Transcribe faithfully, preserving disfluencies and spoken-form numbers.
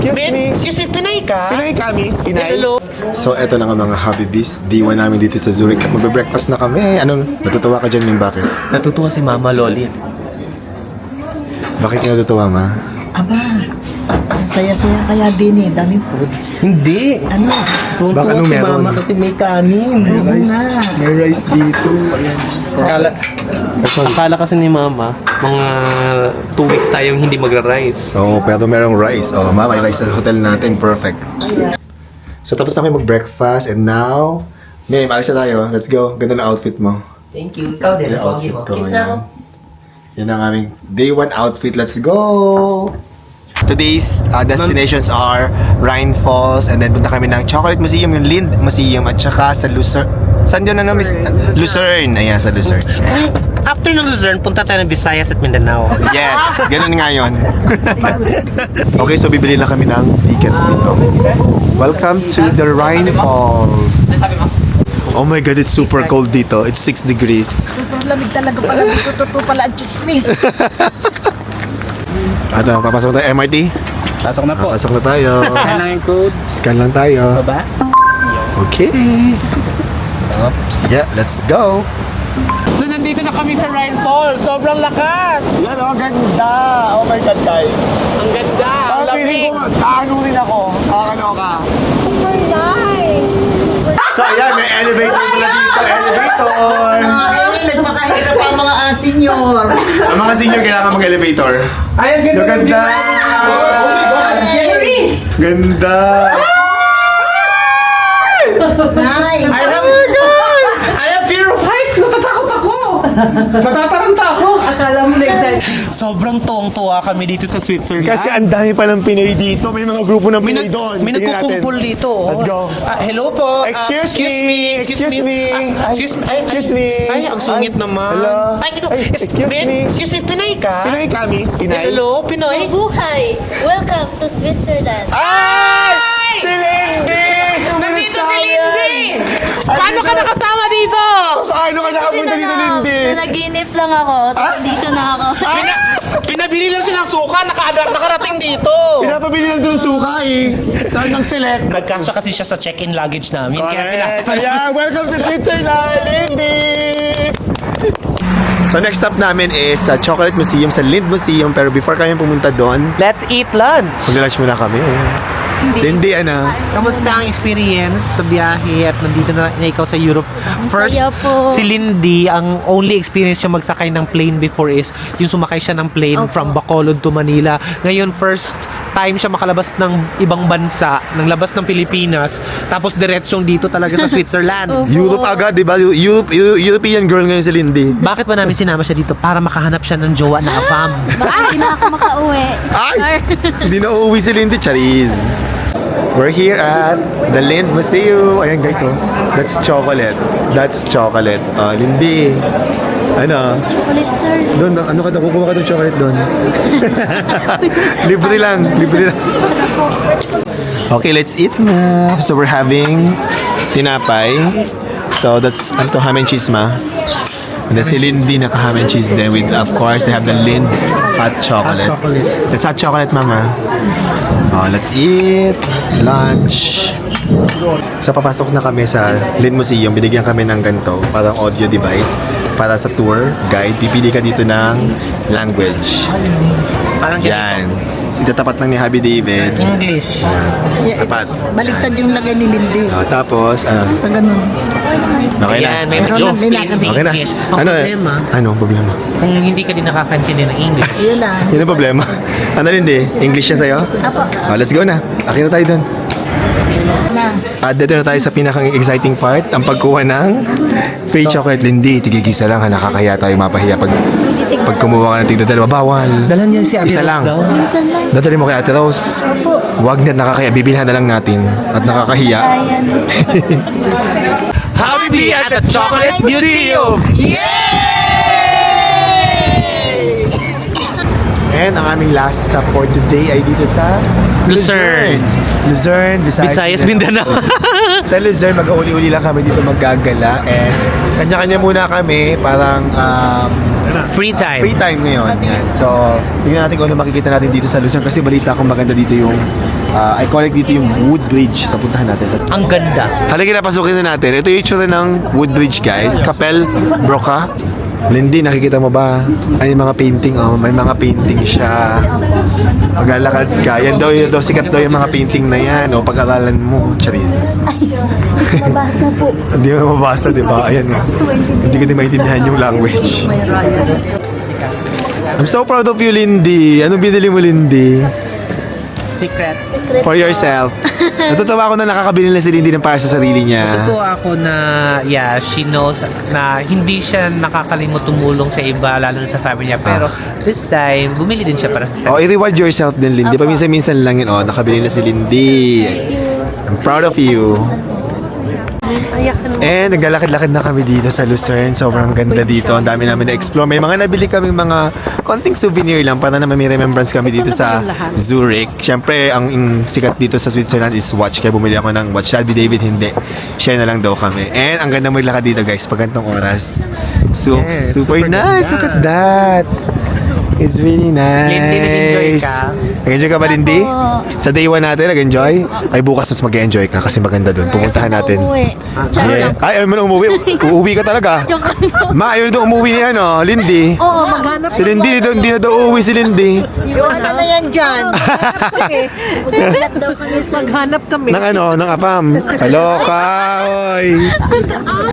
Excuse Miss, me. excuse me, Pinay ka? Pinay ka, miss? Pinay? Hello. So, eto na nga mga Habibis. Day one namin dito sa Zurich at magbe-breakfast na kami. Ano, natutuwa ka dyan, Ming? Bakit? Natutuwa si Mama Loli. Bakit ka natutuwa, ma? Aba, ang saya-saya kaya din eh. Daming foods. Hindi. Ano? Tuwa Baka anong si meron? Mama kasi may kanin. May rice. nga. May rice dito. Ayan. Akala, akala kasi ni Mama, mga two weeks tayong hindi magra-rice. Oo, oh, pero merong rice. Oh, ma, may rice sa hotel natin. Perfect. So, tapos na kami mag-breakfast and now, May, maalis na tayo. Let's go. Ganda na outfit mo. Thank you. Ikaw din. Yung outfit ko. Yan. Yan ang aming day one outfit. Let's go! Today's uh, destinations are Rhine Falls and then punta kami ng Chocolate Museum, yung Lind Museum at saka sa Lucerne. Saan yun na miss? Lucerne. Ayan, sa Lucerne. After ng Luzerne, punta tayo ng Visayas at Mindanao. Yes! Ganun nga yun. Okay, so bibili lang kami ng ticket dito. Welcome to the Rhine Falls. Oh my God, it's super cold dito. It's six degrees. Sobrang lamig talaga pala dito. Totoo pala ang chismis. Ano, papasok tayo M R T? Pasok na po. Papasok na tayo. Scan lang yung code. Scan lang tayo. Baba. Okay. Oops. Yeah, let's go. So, nandito na kami sa Rhine Falls. Sobrang lakas! Yan oh, ganda. Oh my God, guys. Ang ganda! Ang lamig! kaano rin ako. Kakano ka. So, ayan, may elevator pala dito. Elevator. Ay, nagpakahirap ang mga uh, senior. Ang mga senior kailangan mag-elevator. Ay, ang ganda! Ganda. Oh my gosh! Jerry! Ganda. Nice. I have... I have fear of heights! Natatakot ako! Natataranta ako! Akala mo na-excited. Sobrang tuwang-tuwa kami dito sa Switzerland. Kasi ang dami pa ng Pinoy dito. May mga grupo ng May, Pinoy nag, doon. may Tingnan nagkukumpul natin. dito. oh. Let's go. Ah, hello po. Ah, Excuse excuse me. me. Excuse, Excuse me. Ah, Ay, excuse me. Ay, excuse ay, me. Ay, ang sungit Ay, naman. hello. Ay, ito. Ay, Is- excuse miss, me. Excuse me, Pinay ka? Pinoy ka, miss? Pinay? Hello, Pinoy? Buhay! Welcome to Switzerland. Ay! Si Lindy! Nandito si Lindy! Paano ka nakasama dito? Paano ka nakapunta dito, Lindy? Nanaginip lang ako. Dito na ako. Pina, pinabili lang siya ng suka, naka, nakarating dito. Pinapabili lang doon suka eh. Saan ang select? Nagkasya kasi siya sa check-in luggage namin. Kaya pinasok Correct. Ayan, welcome to Switzerland, Lindy! So next stop namin is sa Chocolate Museum, sa Lind Museum. Pero before kami pumunta doon, Let's eat lunch. mag-lunch muna kami. Lindy, ano? Kamusta ang experience sa biyahe at nandito na, na ikaw sa Europe? First, saya po. si Lindy, ang only experience siya magsakay ng plane before is yung sumakay siya ng plane Opo. from Bacolod to Manila. Ngayon, first time siya makalabas ng ibang bansa, ng labas ng Pilipinas, tapos diretsong dito talaga sa Switzerland. Opo. Europe agad, di ba? Europe, Eu- European girl ngayon si Lindy. Bakit ba namin sinama siya dito? Para makahanap siya ng jowa na afam. Baka hindi na ako makauwi. Ay! Hindi na uuwi si Lindy, charis. We're here at the Lind Museum. Ayan guys, oh. That's chocolate. That's chocolate. Uh, Lindy. Ano? Chocolate, sir. Doon, ano ka doon? Kukuha ka doon chocolate doon. Libre lang. Libre lang. Okay, let's eat na. So we're having tinapay. So that's, ano to, ham and cheese ma? And then si Lindy naka ham and cheese then with, of course, they have the Lind hot chocolate. Hot chocolate. That's hot chocolate, mama. Oh, let's eat lunch. So papasok na kami sa Lind Museum. Binigyan kami ng ganito, parang audio device para sa tour guide. Pipili ka dito ng language. Parang Yan. Itatapat lang ni Happy David. English. Tapat. Baliktad yung lagay ni Lindy. Oh, tapos, ano? Sa ganun. Okay na. Ayan, may mas Meron lang explain nila in Okay na. English. Ang Ano? problema, Anong problema? kung hindi ka din nakakaintindi ng English, Yun lang. Yun ang problema. Ano Lindy? English siya sa'yo? Apo. Oh, let's go na. Akin na tayo doon. Na. At dito na tayo sa pinakang exciting part, ang pagkuha ng free chocolate. Lindy, tigigisa lang ha, nakakaya tayo mapahiya pag pag kumuha ka ng tigda dalawa, bawal. Dalan niya si Ate Isa Rose lang. daw. Minsan lang. Dadali mo kay Ate Rose. Opo. Huwag na nakakaya, bibilhan na lang natin. At nakakahiya. Ayan. Happy at the Chocolate Museum! And ang aming last stop for today ay dito sa Lucerne. Luzerne, Visayas, Visayas, Mindanao. Sa Luzerne, mag-uli-uli lang kami dito maggagala and kanya-kanya muna kami, parang um, Free time. Free time ngayon. Yan. So, tingnan natin kung ano makikita natin dito sa Luzon kasi balita ko maganda dito yung uh, iconic dito yung Woodbridge. So, puntahan natin. Ang ganda. Halika na, pasukin na natin. Ito yung itsura ng Woodbridge, guys. Kapel Broca. Lindy, nakikita mo ba? Ay, yung mga painting, oh. May mga painting siya. Paglalakad ka. Yan daw, yun daw, sikat daw yung mga painting na yan. O, pag-aralan mo, charis. Mabasa po. Hindi mo mabasa, di ba? Ayan, oh. Hindi ko din maintindihan yung language. I'm so proud of you, Lindy. Anong binili mo, Lindy? Secret. For yourself. Natutuwa ako na nakakabili na si Lindy ng para sa sarili niya. Ito ako na, yeah, she knows na hindi siya nakakalimot tumulong sa iba, lalo na sa family niya. Pero this time, bumili din siya para sa Oh, sarili. i-reward yourself din, Lindy. Paminsan-minsan lang yun. Oh, nakabili na si Lindy. I'm proud of you. And naglalakad-lakad na kami dito sa Lucerne. Sobrang ganda dito. Ang dami namin na-explore. May mga nabili kaming mga konting souvenir lang para naman may remembrance kami dito sa Zurich. Siyempre, ang ang sikat dito sa Switzerland is watch. Kaya bumili ako ng watch. Shelby David, hindi. Share na lang daw kami. And ang ganda maglakad dito, guys, pag ganitong oras. So, Yes, super, super nice. ganda. Look at that. It's really nice. Lindy, nag-enjoy ka? Nag-enjoy ka ba, Lindy? Sa day one natin, nag-enjoy? Ay, bukas mas mag-enjoy ka kasi maganda doon. Pupuntahan natin. Uuwi. Joke Yeah. lang. Ay, ayaw mo na umuwi. Uuwi ka talaga. Joke lang po. Ma, ayaw na daw umuwi ni ano, Lindy. Oo, maghanap Si Lindy, hindi daw- hindi na daw uuwi si Lindy. Iwanan na yan dyan. Maghanap daw kami sa Maghanap kami. Ng ano, ng apam. Kaloka, oy.